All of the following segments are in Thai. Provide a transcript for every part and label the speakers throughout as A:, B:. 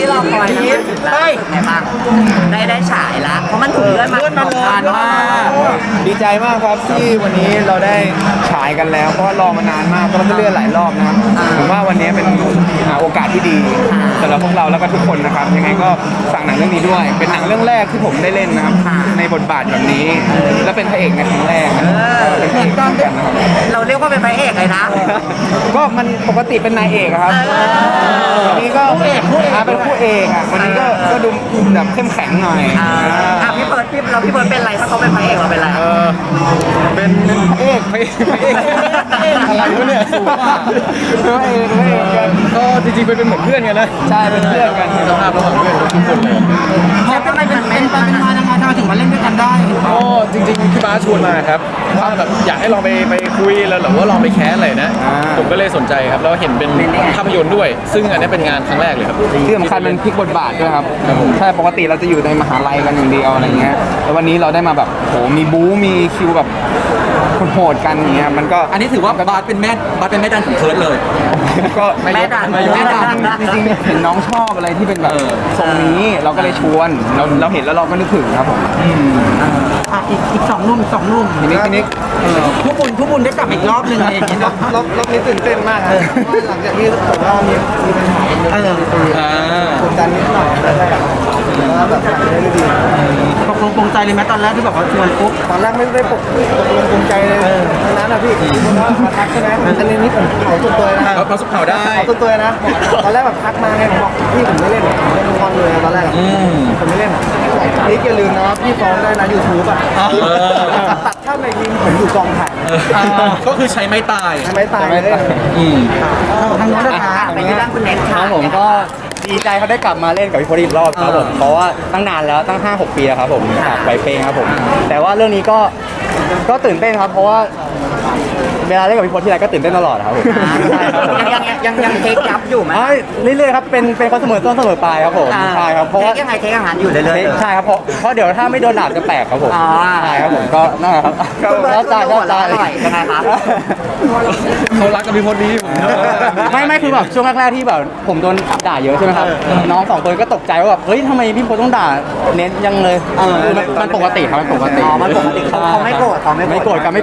A: เราคอยได้ไหนบ้างได้ฉายละเพราะมันถูกเลื่อนมานานมาก
B: ดีใจมากครับที่วันนี้เราได้ฉายกันแล้วเพราะว่ารอมานานมากก็เลื่อนหลายรอบนะครับผมว่าวันนี้เป็นโอกาสที่ดีสำหรับพวกเราแล้วก็ทุกคนนะครับยังไงก็ฝากหนังเรื่องนี้ด้วยเป็นหนังเรื่องแรกที่ผมได้เล่นนะครับในบทบาทแบบนี้และเป็นพระเอกในครั้งแรกเป็นพระเอกกันนะครับ
A: เราเรียกว่าเป็นพระเอกเลยนะ
B: ก็มันปกติเป็นนายเอกอะครับวันนี้ก็เป็นคู่เอกอ่ะวันนี้ก็ดูแบบเข้มแข็งหน่อย
A: พี่เบิร์ดเป็นไรถ้าเขาเป็นพระเอกเราเป็นไร
B: เป็นพระเอกอะไรวะเนี่ยสูงอ่ะพระเอกกันก็จริงๆเป็นเหมือนเพื่อนกันนะใช่เป็นเพื่อนกันสภาพระหว่างเพื่อนทุกคนเลย
A: แล้วทำไมเป็นมายังไงทำไมถึงมาเล่นด้วยกันได้
C: ก็จริงๆพี่บาสชวนมาครับว่าแบบอยากให้ลองไปคุยแล้วหรือว่าลองไปแคสอะไรนะผมก็เลยสนใจครับแล้วเห็นเป็นภาพยนตร์ด้วย ซึ่งอันนี้เป็นงานครั้งแรกเลยครับ
B: ที่สำคัญเป็นพลิกบทบาทด้วยครับใช่ปกติเราจะอยู่ในมหาลัยกันอย่างเดียวอะไรเงี้ยแล้ววันนี้เราได้มาแบบโหมีบู๊มีคิวแบบโหดกันอย่างเงี้ยมันก็
D: อันนี้ถือว่าบาสเป็นแม่ดันของเคิร์ดเลย
B: ก็
A: แม่ดัน
B: จริงๆเห็นน้องชอบอะไรที่เป็นแบบทรงนี้เราก็เลยชวนเราเห็นแล้วเราก็นึกถึงครับผม
A: อีกสองหนุ่ม
B: ทีนี้
A: ผู้บุญได้กลับอีกรอบหนึ่งอะไรอย่างเงี้ย
B: รอบนี้ตื่นเต้นมากครับหลังจากที่ผมว่ามีปัญหากดดันนิดหน่อยแต่ว่าแบบทำได้ดี
A: ตกลงปรงใจเลยไหมตอนแรกที่แบบว่าชวนปุ๊บ
B: ตอนแรกไม่ได้ตกลงปรงใจเลยทั้งนั้นนะพี่คนว่ามาทักใช่ไหมอันนี้ผมเผาตัวตัวนะ
C: เราสุกเผาได้
B: ตัวตัวนะตอนแรกแบบทักมาไงผมบอกพี่ผมไม่เล่นคอนเลยตอนแรกผมไม่เล่นนี่อย่าลืมนะว่าพี่ฟ้องได้นะยูทูบอ่ะตัดภาพในทีมผมอยู่กองถ่าย
C: ก็คือใช้ไม้ตาย
B: เลย
A: ทางโน้นนะคะไปที่ด้านคุณเน็ตค่ะ
E: ผมก็ดีใจเขาได้กลับมาเล่นกับพี่พลอีกรอบครับผมเพราะว่าตั้งนานแล้วตั้ง 5-6 ปีแล้วครับผมจากไวเป้งครับผมแต่ว่าเรื่องนี้ก็ตื่นเต้นครับเพราะว่าเวลาเล่นกับพี่พลที่ไรก็ตื่นเต้นตลอดครับผม
A: ใช่ครับยังเทคยับอยู่ไหม
E: เรื่อยๆครับเป็นคนเสมอต้นเสมอปลายครับผมใช่ครับเพราะว่า
A: เทคอาหารอยู่เรื่อย
E: ใช่ครับเพราะเดี๋ยวถ้าไม่โดนหลาบจะแปลกครับผมใช่ครับผมก็นั่นแหละครับ
A: แล้วจ่ายยังไงครับ
C: เขารักกับพี่พลดี
E: ไม่คือแบบช่วงแรกๆที่แบบผมโดนด่าเยอะใช่ไหมครับน้อง2 คนก็ตกใจว่าแบบเฮ้ยทำไมพี่พลต้องด่าเน้นยังเลยมันปกติครับมันปกติ
A: เขาไม่โกรธ
E: ไม่โกรธกัน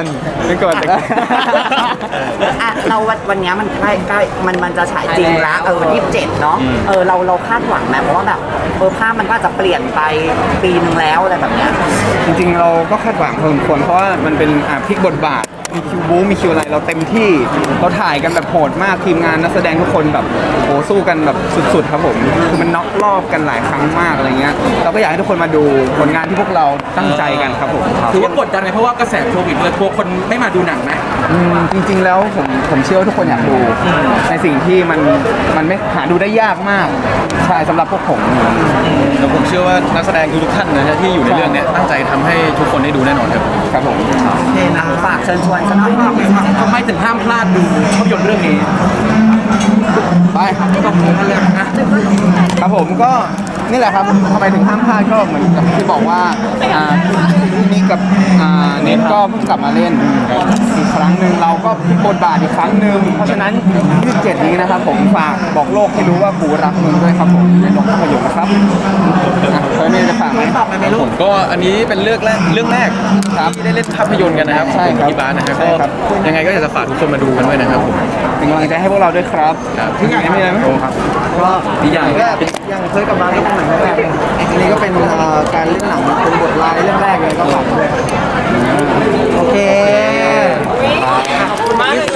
A: เราวันนี้มันใกล้มันจะฉายจริงแล้ววันที่7เนาะเราคาดหวังไหมเพราะว่าแบบภาพมันก็จะเปลี่ยนไปปีนึงแล้วอะไรแบบเนี้ย
B: จริงๆเราก็คาดหวังพอสมควรเพราะว่ามันเป็นพลิกบทบาทมีคิวบู๊มีคิวอะไรเราเต็มที่เราถ่ายกันแบบโหดมากทีมงานนักแสดงทุกคนแบบโหสู้กันแบบสุดๆครับผมคือมันน็อกรอบกันหลายครั้งมากอะไรเงี้ยเราก็อยากให้ทุกคนมาดูผลงานที่พวกเราตั้งใจกันครับผม
D: ถือว่ากดดันไหมเพราะว่ากระแสโควิดเลยกลัวคนไม่มาดูหนังไหม
B: จริงๆแล้วผมเชื่อว่าทุกคนอยากดูในสิ่งที่มันไม่หาดูได้ยากมากใช่สำหรับพวกผม
C: แล้วผมเชื่อว่านักแสดงทุกท่านนะที่อยู่ในเรื่องนี้ตั้งใจทำให้ทุกคนได้ดูแน่นอนครับ
B: ผม
A: โอเคนะฝากเชิญชวนกันหน่อย
D: ทำไมถึงห้ามพลาดดูภาพยนตร์เรื่องนี้
B: ไป
D: ต้องดูกันเลย
B: ครับผมก็นี่แหละครับทำไมถึงห้ามพลาดก็เหมือนกับที่บอกว่าพี่นิกกับเน็ตก็เพิ่งกลับมาเล่นอีกครั้งหนึ่งเราก็พลิกบทบาทอีกครั้งหนึ่งเพราะฉะนั้น27นี้นะครับผมฝากบอกโลกให้รู้ว่ากูรักมึงด้วยครับผมในโรงภาพยนตร์นะครับเคยมีจะฝากไหม
C: ผมก็อันนี้เป็นเรื่องแรกที่ได้เล่นภาพยนตร์กันนะครับ
B: ใช่ครับ
C: ที่บ้านนะครับก็ยังไงก็อยากจะฝากทุกคนมาดูกันด้วยนะครับผม
B: เป็นกำลังใจให้พวกเราด้วยครับ
C: ที่ไหน
B: มีอะไรไหม
E: ก็ดีอย่าง
B: เคยกับมาก็เป็นหนังแรกอันนี้ก็เป็นการเล่นหนังเป็นบทลายเรื่องแรกเลยก็ฝากด้วย
A: โอเคขอบคุณมาก